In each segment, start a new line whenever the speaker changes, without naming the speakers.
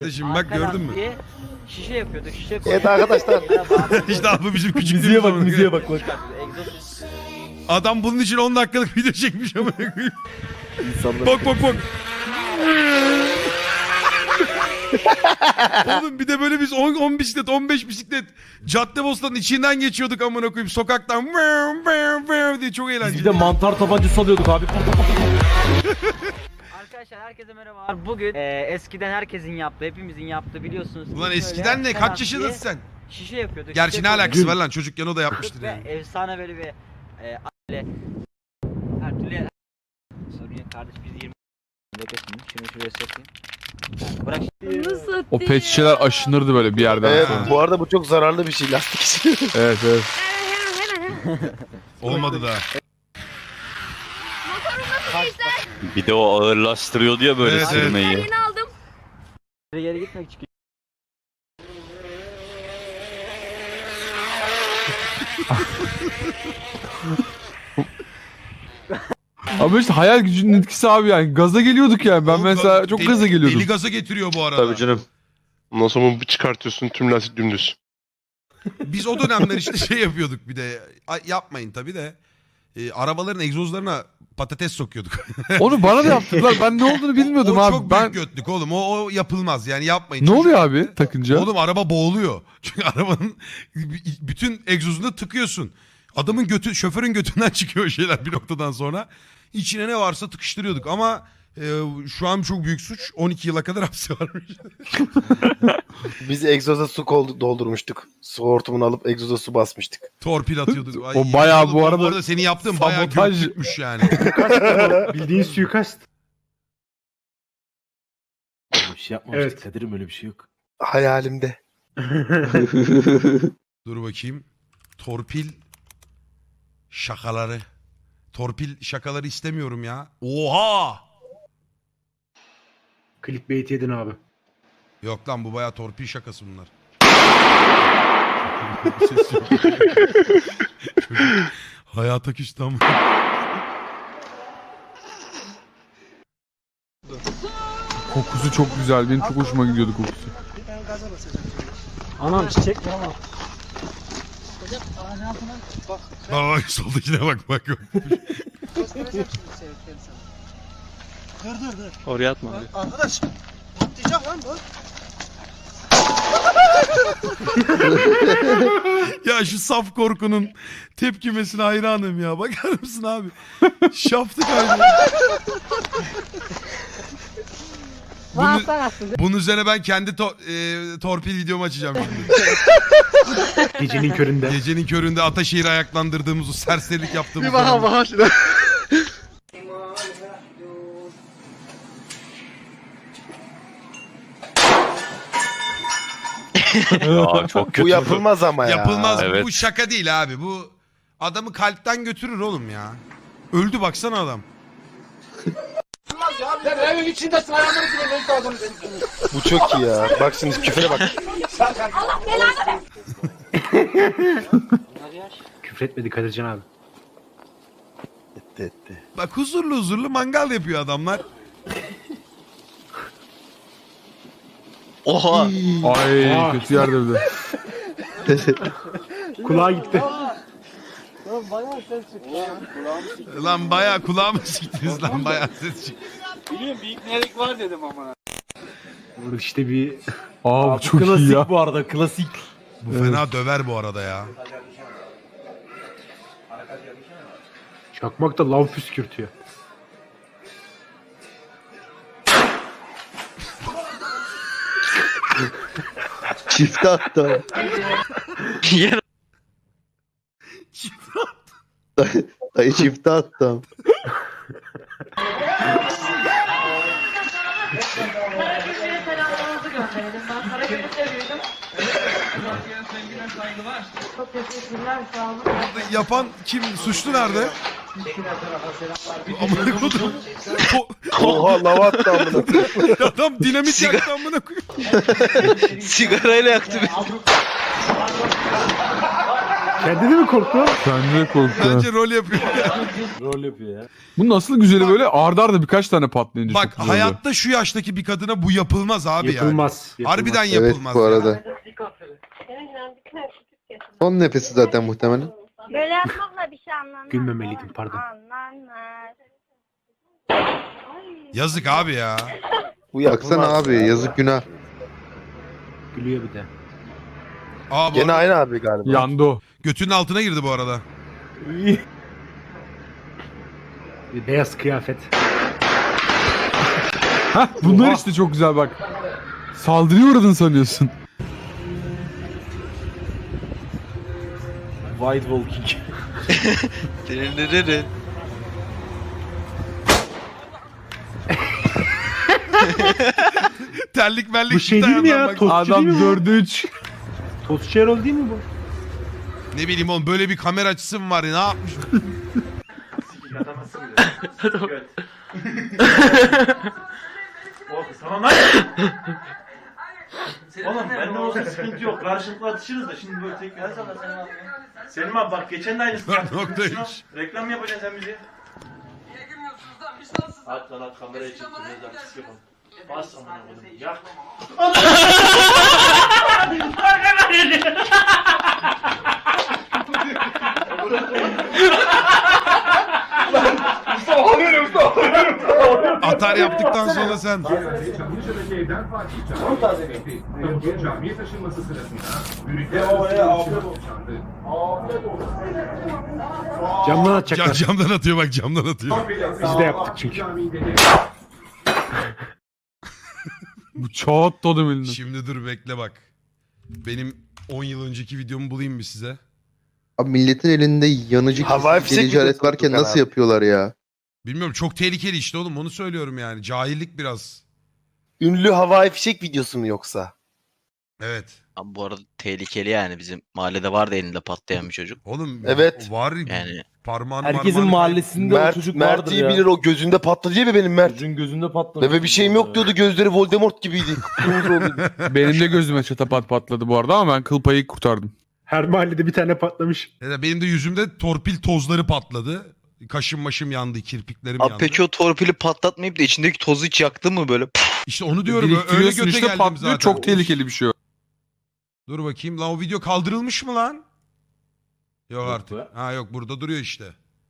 Kardeşim bak gördün mü?
Şişe yapıyorduk. Şişe
Evet arkadaşlar.
İşte abi bizim küçük
Müziğe bak, müziğe bak.
Adam bunun için 10 dakikalık video çekmiş ama.
İnsanlar.
Bak. Oğlum bir de böyle biz 10 bisiklet 15 bisiklet Caddebostan'ın içinden geçiyorduk amına koyayım sokaktan diye çok eğlenceli.
Biz bir de mantar tabancası alıyorduk abi.
Arkadaşlar herkese merhabalar. Bugün eskiden herkesin yaptığı, hepimizin yaptığı biliyorsunuz.
Ulan
Biz
eskiden
böyle
ne? Kaç
penaltı
yaşındasın sen?
Şişe yapıyorduk.
Gerçi
şişe
ne alakası
yapıyorduk.
var lan çocukken o da yapmıştır
Ve
yani.
efsane böyle bir aile. Her türlü sorun yok kardeş biz 20 beklesin. Şunu şuraya sokayım. Bırak.
O pet şişeler aşınırdı böyle bir yerden
Evet,
sonra.
bu arada bu çok zararlı bir şey lastik için.
Evet.
Olmadı da.
Bir de o ağırlaştırıyordu ya böyle
Evet,
sürmeyi.
Yeni aldım.
Geri gitmek için.
Ama işte hayal gücünün etkisi abi yani. Gaza geliyorduk yani. Ben
Oğlum,
mesela çok gaza geliyordum.
Deli gaza getiriyor bu arada.
Tabii canım. Ondan sonra bunu bir çıkartıyorsun tüm lastik dümdüz.
Biz o dönemler işte şey yapıyorduk bir de. Yapmayın tabii de. Arabaların egzozlarına patates sokuyorduk.
Onu bana da yaptılar. Ben ne olduğunu bilmiyordum
o
abi.
çok
Ben
büyük götlük oğlum. O yapılmaz yani yapmayın.
ne oluyor abi takınca?
Oğlum araba boğuluyor. Çünkü arabanın bütün egzozunu tıkıyorsun. Adamın götü, şoförün götünden çıkıyor o şeyler bir noktadan sonra. İçine ne varsa tıkıştırıyorduk ama şu an çok büyük suç. 12 yıla kadar hapsi varmış.
Biz egzoza su doldurmuştuk. Su hortumunu alıp egzoza su basmıştık.
Torpil atıyorduk. Ay,
O bayağı
oğlum,
bu arada
senin yaptığın bayağı
sabotaj.
götlükmüş yani.
Bildiğin suikast.
Öyle bir şey yapmamıştık.
Evet.
Kadir'im öyle bir şey yok. Hayalimde.
Dur bakayım. Torpil şakaları. Torpil şakaları istemiyorum ya. Oha!
Clickbait yedin abi.
Yok lan bu bayağı torpil şakası bunlar. Çocuk hayata küstü ama.
Kokusu çok güzel. Benim çok hoşuma gidiyordu kokusu.
Anam çiçek mi ama?
Bak soldakine bak.
Oraya atma abi.
Arkadaş patlayacak lan bu.
Ya şu saf korkunun tepkimesine hayranım ya. Bakar mısın abi? Şaftı kaybı. Bunun üzerine ben kendi torpil videomu açacağım şimdi.
Gecenin köründe.
Gecenin köründe Ataşehir'i ayaklandırdığımız o serserilik yaptığımız.
Bir bakalım şuna.
Aa, çok kötü.
Bu yapılmaz ama ya.
Yapılmaz.
Evet.
Bu şaka değil abi. Bu adamı kalpten götürür oğlum ya. Öldü baksana adam.
Bu çok iyi ya. Bak şimdi küfre bak.
Küfretmedi Kadircan abi.
Etti.
Bak huzurlu mangal yapıyor adamlar.
Oha.
Ay kötü yerde bir de.
Kulağa gitti.
Lan bayağı kulağımı siktiniz lan bayağı ses çıktı.
Burada işte bir...
Aa bu çok iyi
Klasik
ya.
bu arada klasik.
Bu fena döver bu arada ya.
Çakmak da lav püskürtüyor.
Çifte hatta.
Yer.
Dayı çifte hatta.
Yapan kim? Suçlu nerede? Amına koydum.
Oha lava attı amına.
Adam dinamit yaktı amına koyayım.
Sigarayla yaktı beni.
Kendi de mi korktu?
Kendi de korktu.
Bence rol yapıyor.
Rol yapıyor ya.
Bu nasıl güzeli böyle arda arda birkaç tane patlayınca
Bak
çok güzel oluyor.
hayatta şu yaştaki bir kadına bu yapılmaz abi
Yapılmaz.
yani. Harbiden
Evet
yapılmaz.
bu
ya.
arada. Son nefesi zaten muhtemelen.
Böyle yapmakla bir şey anlanmaz.
Gülmemeliydim, pardon.
Anlanmaz.
Yazık abi ya.
Bu baksana abi yazık günah.
Gülüyor bir de.
Aa, bu
Gene
arada
aynı abi galiba.
Yandı o.
götünün altına girdi bu arada.
Bir beyaz kıyafet.
Hah bunlar
Oha.
işte çok güzel bak. Saldırıya uğradın sanıyorsun.
White Walking.
Terlik mellik
Bu şey
çıktı
değil mi ya?
ayağından bak.
Tostçu
Adam
değil mi bu?
4'e 3.
Tostçu Erol değil mi bu?
Ne bileyim oğlum böyle bir kamera açısı mı var ya ne yapmış?
Tamam lan. Oğlum bende olsa sıkıntı yok. Karşılıklı atışırız da şimdi böyle tek bir Selim abi bak geçen de aynısını yaptık.
4.3.
Şuna reklam mı yapacaksın sen bize? At lan at kameraya çek. Biraz artist yapalım. Bas amına koydum. Yak.
Atar yaptıktan sonra sen.
Camdan atacaklar.
Camdan atıyor bak camdan atıyor.
Biz de yaptık çünkü.
Bu çat tadım elinde.
Şimdi dur bekle bak. Benim 10 yıl önceki videomu bulayım mı size?
Abi milletin elinde yanıcı Havai fişek delici alet videosu varken Tukan nasıl abi. yapıyorlar ya?
Bilmiyorum çok tehlikeli işte oğlum onu söylüyorum yani. Cahillik biraz.
Ünlü havai fişek videosu mu yoksa?
Evet.
Ama bu arada tehlikeli yani. Bizim mahallede vardı elinde patlayan bir çocuk.
Oğlum
Evet.
var
Yani
parmağını
Herkesin
marmağını-
mahallesinde o çocuk vardır
Mert iyi
ya.
bilir o gözünde patladı diye mi benim Mert?
Çocuğun gözünde patlamış.
Bebe bir şeyim yok diyordu gözleri Voldemort gibiydi. Kıpkırmızı oluyordu.
Benim de gözüme çatapat patladı bu arada ama ben kıl payı kurtardım.
Her mahallede bir tane patlamış.
Ya da benim de yüzümde torpil tozları patladı. Kaşım maşım yandı, kirpiklerim
Abi
yandı.
peki o torpili patlatmayıp da içindeki tozu hiç yaktı mı böyle?
İşte onu diyorum. Öyle
Biriktiriyorsun
göte
işte
geldim
patlıyor.
zaten.
Çok tehlikeli bir şey o.
Dur bakayım. Lan o video kaldırılmış mı lan? Yok
Yok
artık.
be.
Ha yok burada duruyor işte.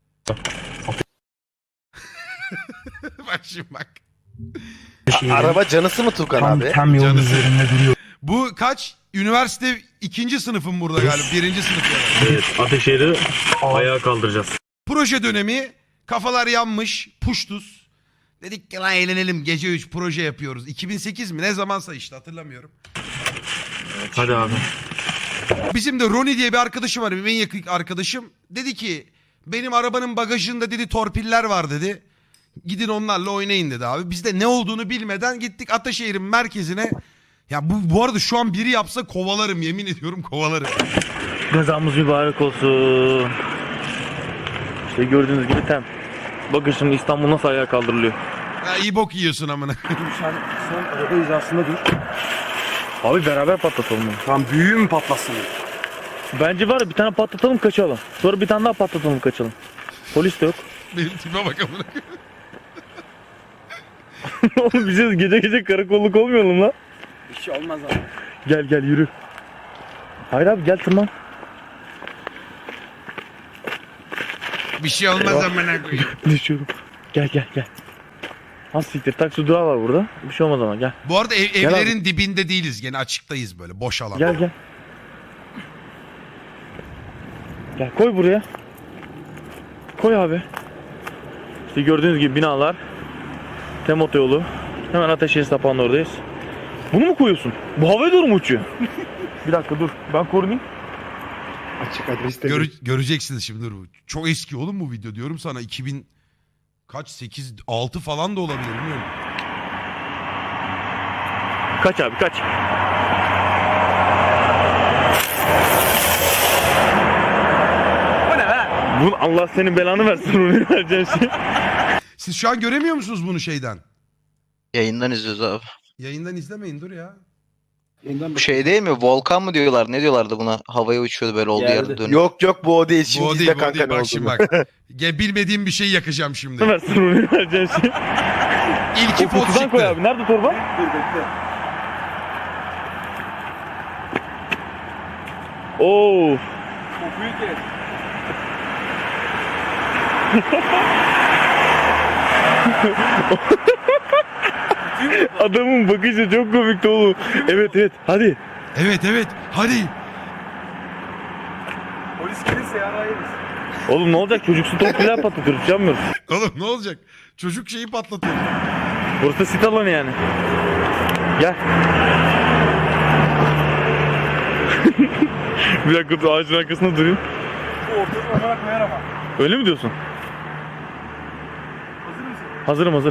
Bak şimdi bak.
Araba canısı mı Tukan abi?
Canısı. Bu kaç? Üniversite 2. sınıfım burada galiba. 1. sınıf yani.
Evet, Ateşehir'i ayağa kaldıracağız.
Proje dönemi. Kafalar yanmış. Puştuz. Dedik ki lan eğlenelim. Gece 3 proje yapıyoruz. 2008 mi? Ne zamansa işte hatırlamıyorum.
Hadi abi.
Bizim de Ronnie diye bir arkadaşım var. Benim en yakın arkadaşım. Dedi ki benim arabanın bagajında dedi torpiller var dedi. Gidin onlarla oynayın dedi abi. Biz de ne olduğunu bilmeden gittik Ataşehir'in merkezine. Ya bu arada şu an biri yapsa kovalarım yemin ediyorum kovalarım.
Gazamız mübarek olsun. İşte gördüğünüz gibi tem. Bakın şimdi İstanbul nasıl ayağa kaldırılıyor.
Ya iyi bok yiyorsun amına.
Sen son araba hizasında dur. Abi beraber patlatalım bunu.
Tam büyüğü mü patlasın?
Bence var ya bir tane patlatalım kaçalım. Sonra bir tane daha patlatalım kaçalım. Polis de yok.
Benim tipe bak amına.
Oğlum bize gece gece karakolluk olmayalım lan.
Bir şey olmaz abi.
Gel gel yürü. Hayır abi gel tırman.
Bir şey olmaz amına koyayım.
Düşüyorum. Gel gel gel. Az siktir taksi durağı var burada. Bir şey olmaz ama gel.
Bu arada
Gel
evlerin dibinde değiliz. Gene açıktayız böyle boş alan.
Gel gel. Gel koy buraya. Koy abi. İşte gördüğünüz gibi binalar. Tem otoyolu. Hemen Ateşehir sapağının oradayız. Bunu mu koyuyorsun? Bu havaya doğru mu uçuyor? Bir dakika dur. Ben korunayım.
Açık adreste.
Göreceksiniz şimdi dur. Çok eski oğlum bu video diyorum sana 2000 kaç 8 6 falan da olabilir bilmiyorum.
Kaç abi kaç. Bu ne be? Bu Allah senin belanı versin onu vereceğin şey.
Siz şu an göremiyor musunuz bunu şeyden?
Yayından izliyoruz abi.
Yayından izlemeyin dur ya.
Yeniden
Şey değil mi? Volkan mı diyorlar? Ne diyorlardı buna? Havaya uçuyordu böyle olduğu yerde dönüyor.
Yok bu o değil. Şimdi
Bu o
izle
değil, bu o
kanka
değil.
ne
Bak şimdi
olduğunu.
bak. Bilmediğim bir şey yakacağım şimdi.
Ömer sorunu vereceğin şey.
İlki
O
pot
kutudan koy
çıktı.
abi. Nerede torba?
dur bekle.
Oo.
Kokuyu kes.
Adamın bakışı çok komikti oğlum. Evet evet hadi.
Evet hadi.
Polis gelirse yarayırız.
Oğlum ne olacak çocuksu top filan patlatırız canmıyoruz.
Oğlum ne olacak? Çocuk şeyi patlatıyor.
Burası da sit alanı yani. Gel. Bir dakika dur ağacın arkasında durayım.
Bu ortada olarak koyar ama.
Öyle mi diyorsun?
Hazır mısın?
Hazırım hazır.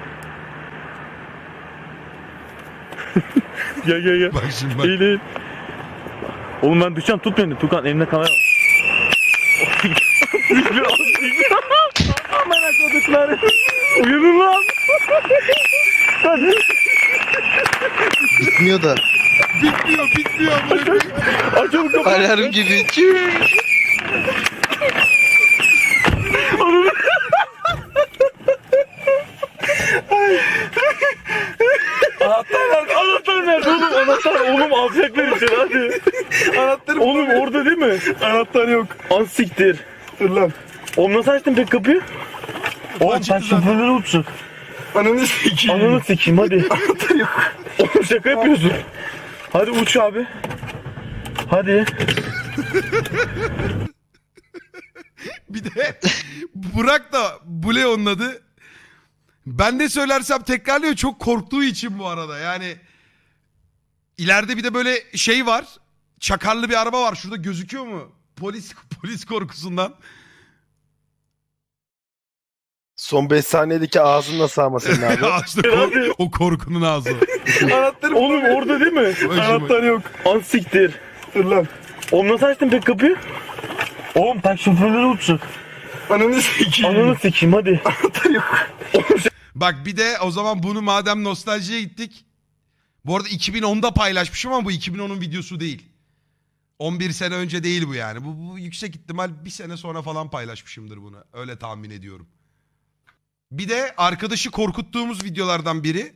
Gel.
Bak şimdi bak.
İyi değil. Oğlum ben düşeceğim tut beni. Tukan elimde kamera var. Aman akıllıklar. Uyanın lan.
Bitmiyor da.
Bitmiyor.
Açalım kapıyı.
Alarm gibi.
Anahtar nerede oğlum? Anahtar oğlum alacaklar içeri hadi.
Anahtarı
Oğlum orada değil mi?
Anahtar yok.
Az siktir.
Dur lan.
Oğlum nasıl açtın pek kapıyı? Oğlum
Açıktı
sen
zaten.
şoförleri uçacak.
Ananı sikeyim.
Ananı sikeyim hadi.
Anahtar yok.
Oğlum şaka yapıyorsun. Hadi uç abi. Hadi.
Bir de Burak da Bule onun adı. Ben de söylersem tekrarlıyor çok korktuğu için bu arada. Yani ileride bir de böyle şey var. Çakarlı bir araba var. Şurada gözüküyor mu? Polis korkusundan.
Son 5 saniyedeki ağzını nasıl sağma senin abi?
İşte o korkunun ağzı.
Anahtarı
Oğlum orada değil mi?
Anahtar yok.
Az siktir.
Dur lan.
Oğlum nasıl açtın pek kapıyı? Oğlum tak şoförleri uçacak.
Ananı sikeyim.
Ananı sikeyim hadi.
Anahtar yok.
Bak bir de o zaman bunu madem nostaljiye gittik. Bu arada 2010'da paylaşmışım ama bu 2010'un videosu değil. 11 sene önce değil bu yani. Bu yüksek ihtimal bir sene sonra falan paylaşmışımdır bunu. Öyle tahmin ediyorum. Bir de arkadaşı korkuttuğumuz videolardan biri.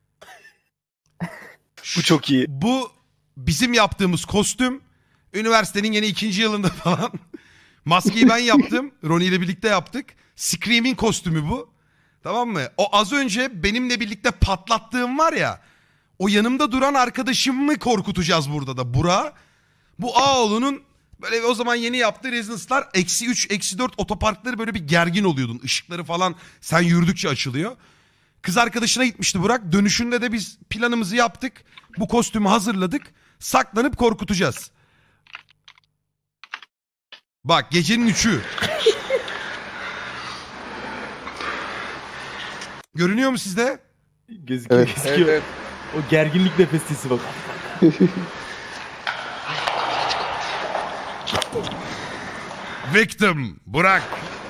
Bu çok iyi.
Bu bizim yaptığımız kostüm. Üniversitenin yine 2. yılında falan. Maskeyi ben yaptım. Ronnie ile birlikte yaptık. Scream'in kostümü bu. Tamam mı? O az önce benimle birlikte patlattığım var ya. O yanımda duran arkadaşımı korkutacağız burada da. Burak. Bu Ağoğlu'nun böyle o zaman yeni yaptığı rezidanslar -3, -4 otoparkları böyle bir gergin oluyordun. Işıkları falan sen yürüdükçe açılıyor. Kız arkadaşına gitmişti Burak. Dönüşünde de biz planımızı yaptık. Bu kostümü hazırladık. Saklanıp korkutacağız. Bak gecenin 3'ü. Görünüyor mu sizde?
Gözüküyor.
Evet.
Gözüküyor. O gerginlik nefestisi bak.
Victim Burak.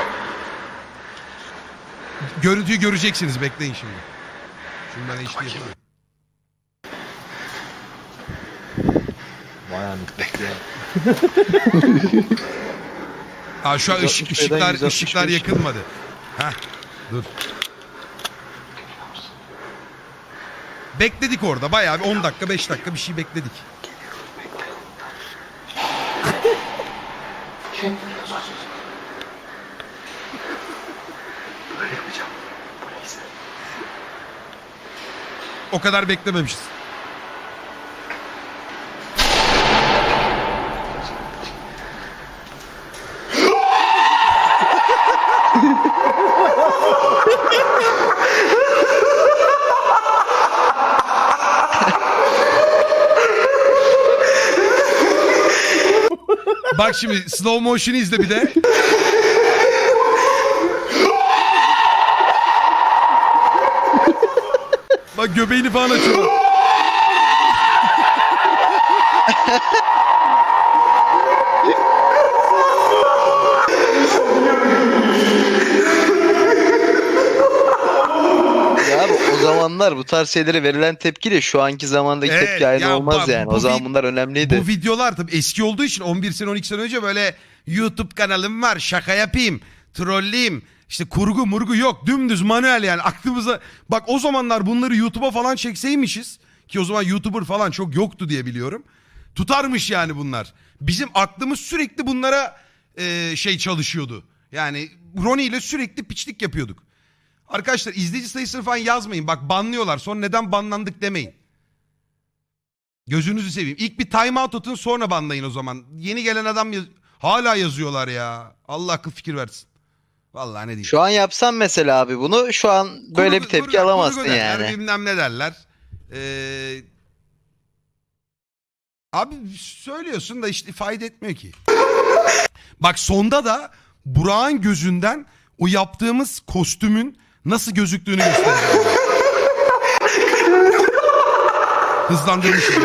Görüntüyü göreceksiniz bekleyin şimdi. Şimdi ben HD yapayım.
Vay anasını ya.
Aa, şu an ışıklar yakılmadı. Heh, dur. Bekledik orada bayağı bir 10 dakika 5 dakika bir şey bekledik. O kadar beklememişiz. Bak şimdi slow motion'ı izle bir de. Bak göbeğini falan açıyor.
Ya abi o zaman zamanlar bu tarz şeylere verilen tepkiyle şu anki zamandaki
Evet,
tepki aynı
ya
olmaz
bu-
yani.
bu
O zaman
vi-
bunlar önemliydi.
Bu videolar tabii eski olduğu için 11 sene 12 sene önce böyle YouTube kanalım var, şaka yapayım, trolleyim, işte kurgu murgu yok, dümdüz manuel yani aklımıza. Bak o zamanlar bunları YouTube'a falan çekseymişiz ki o zaman YouTuber falan çok yoktu diye biliyorum. Tutarmış yani bunlar. Bizim aklımız sürekli bunlara şey çalışıyordu. Yani Ronnie ile sürekli piçlik yapıyorduk. Arkadaşlar izleyici sayısını falan yazmayın. Bak banlıyorlar. Sonra neden banlandık demeyin. Gözünüzü seveyim. İlk bir time out atın sonra banlayın o zaman. Yeni gelen adam hala yazıyorlar ya. Allah akıl fikir versin. Vallahi ne diyeyim.
Şu an yapsan mesela abi bunu şu an böyle bir tepki alamazsın
kurgu derler,
yani.
bilmem ne derler. Abi söylüyorsun da işte fayda etmiyor ki. Bak sonda da Burak'ın gözünden o yaptığımız kostümün nasıl gözüktüğünü göstereceğim. Hızlandırmışım.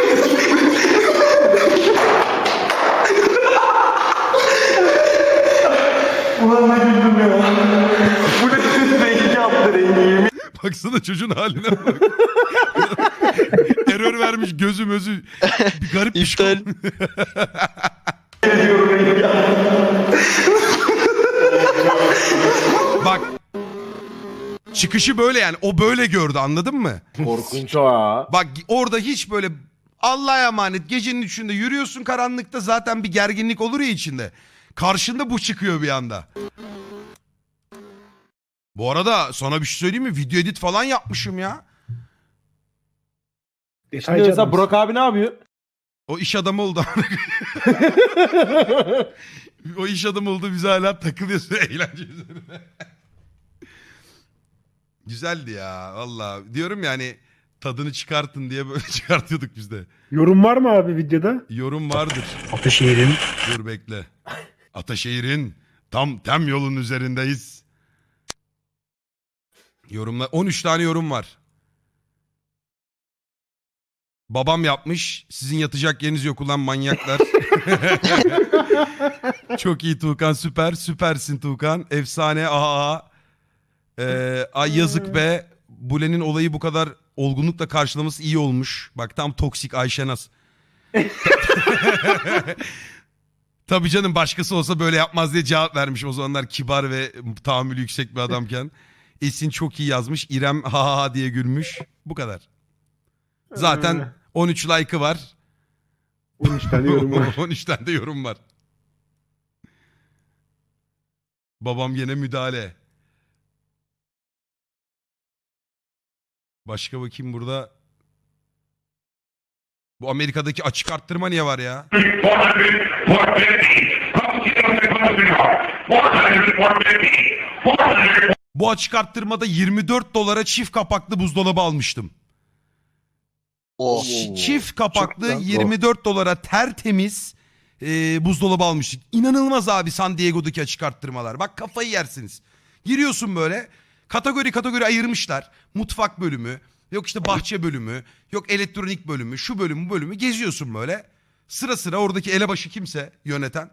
Ulan ne güldüm ya. Bu ne rengi yaptı rengi.
Baksana çocuğun haline bak. Error vermiş gözü mözü. Bir garip bir şey.
İptal.
Bak. Çıkışı böyle yani. O böyle gördü anladın mı?
Korkunç o ha.
Bak orada hiç böyle Allah'a emanet gecenin üçünde yürüyorsun karanlıkta zaten bir gerginlik olur ya içinde. Karşında bu çıkıyor bir anda. Bu arada sana bir şey söyleyeyim mi? Video edit falan yapmışım ya.
Şimdi mesela Burak abi ne yapıyor?
O iş adamı oldu. O iş adamı oldu bize hala takılıyorsun eğlence üzerine. Güzeldi ya valla. Diyorum yani tadını çıkartın diye böyle çıkartıyorduk biz de.
Yorum var mı abi videoda?
Yorum vardır.
Ataşehir'in.
Dur bekle. Ataşehir'in tem yolun üzerindeyiz. Yorumlar 13 tane yorum var. Babam yapmış. Sizin yatacak yeriniz yok ulan manyaklar. Çok iyi Tuğkan süper. Süpersin Tuğkan. Efsane aha. Ay yazık be. Bule'nin olayı bu kadar olgunlukla karşılaması iyi olmuş. Bak tam toksik Ayşenaz. Tabii canım başkası olsa böyle yapmaz diye cevap vermiş. O zamanlar kibar ve tahammülü yüksek bir adamken. Esin çok iyi yazmış. İrem ha ha diye gülmüş. Bu kadar. Zaten 13 like'ı var.
13 tane yorum var.
13 tane de yorum var. Babam yine müdahale. Başka bakayım burada. Bu Amerika'daki açık arttırma niye var ya? Bu açık arttırmada 24 dolara çift kapaklı buzdolabı almıştım.
Oh.
Çift kapaklı
Çok güzel.
24 dolara tertemiz buzdolabı almıştık. İnanılmaz abi San Diego'daki açık arttırmalar. Bak kafayı yersiniz. Giriyorsun böyle kategori ayırmışlar. Mutfak bölümü, yok işte bahçe bölümü, yok elektronik bölümü, şu bölümü bu bölümü geziyorsun böyle. Sıra sıra oradaki elebaşı kimse yöneten.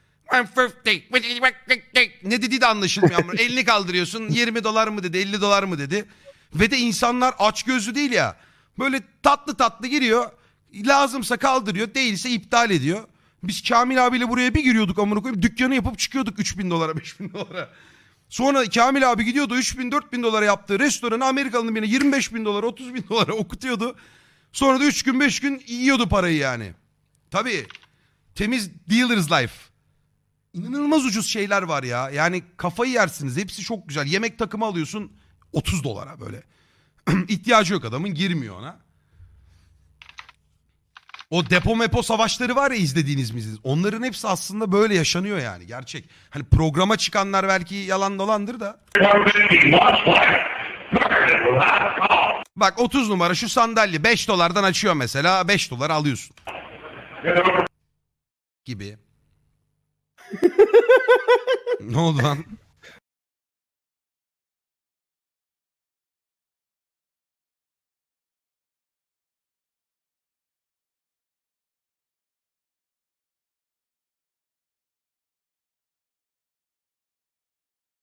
Ne dediği de anlaşılmıyor. Ama elini kaldırıyorsun 20 dolar mı dedi 50 dolar mı dedi. Ve de insanlar açgözlü değil ya. Böyle tatlı tatlı giriyor. Lazımsa kaldırıyor değilse iptal ediyor. Biz Kamil abiyle buraya bir giriyorduk amına koyayım. Dükkanı yapıp çıkıyorduk 3000 dolara 5000 dolara. Sonra Kamil abi gidiyordu 3000-4000 dolara yaptığı restoranı Amerikalı'nın birine 25.000 dolara 30.000 dolara okutuyordu. Sonra da 3 gün 5 gün yiyordu parayı yani. Tabii temiz dealer's life. İnanılmaz ucuz şeyler var ya. Yani kafayı yersiniz. Hepsi çok güzel. Yemek takımı alıyorsun 30 dolara böyle. İhtiyacı yok adamın girmiyor ona. O depo mepo savaşları var ya izlediğiniz mi? Onların hepsi aslında böyle yaşanıyor yani gerçek. Hani programa çıkanlar belki yalan dolandır da. Bak 30 numara şu sandalye 5 dolardan açıyor mesela 5 dolar alıyorsun. Gibi. Ne oldu lan?